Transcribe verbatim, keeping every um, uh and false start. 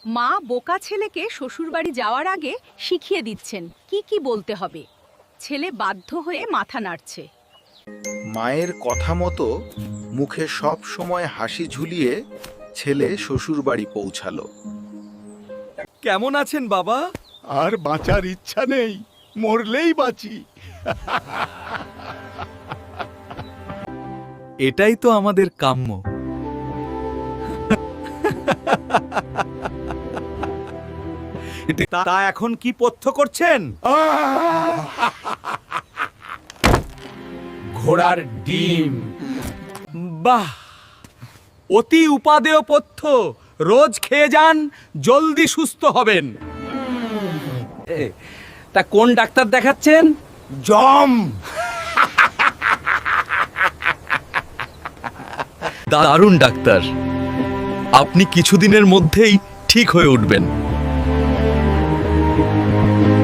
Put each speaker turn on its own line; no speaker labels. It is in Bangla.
মা বোকা ছেলেকে শ্বশুরবাড়ি যাওয়ার আগে শিখিয়ে দিচ্ছেন কি কি বলতে হবে। ছেলে বাধ্য হয়ে মাথা নাড়ছে।
মায়ের কথা মতো মুখে সব সময় হাসি ঝুলিয়ে ছেলে শ্বশুরবাড়ি পৌঁছালো।
কেমন আছেন বাবা?
আর বাঁচার ইচ্ছা নেই, মরলেই বাঁচি।
এটাই তো আমাদের কাম্য। তা এখন কি পথ্য করছেন?
ঘোড়ার ডিম।
বাহ, অতি উপাদেয় পথ্য। রোজ খেয়ে যান, জলদি সুস্থ হবেন। এ, তা কোন ডাক্তার দেখাচ্ছেন?
জম।
দারুণ ডাক্তার, আপনি কিছুদিনের মধ্যেই ঠিক হয়ে উঠবেন।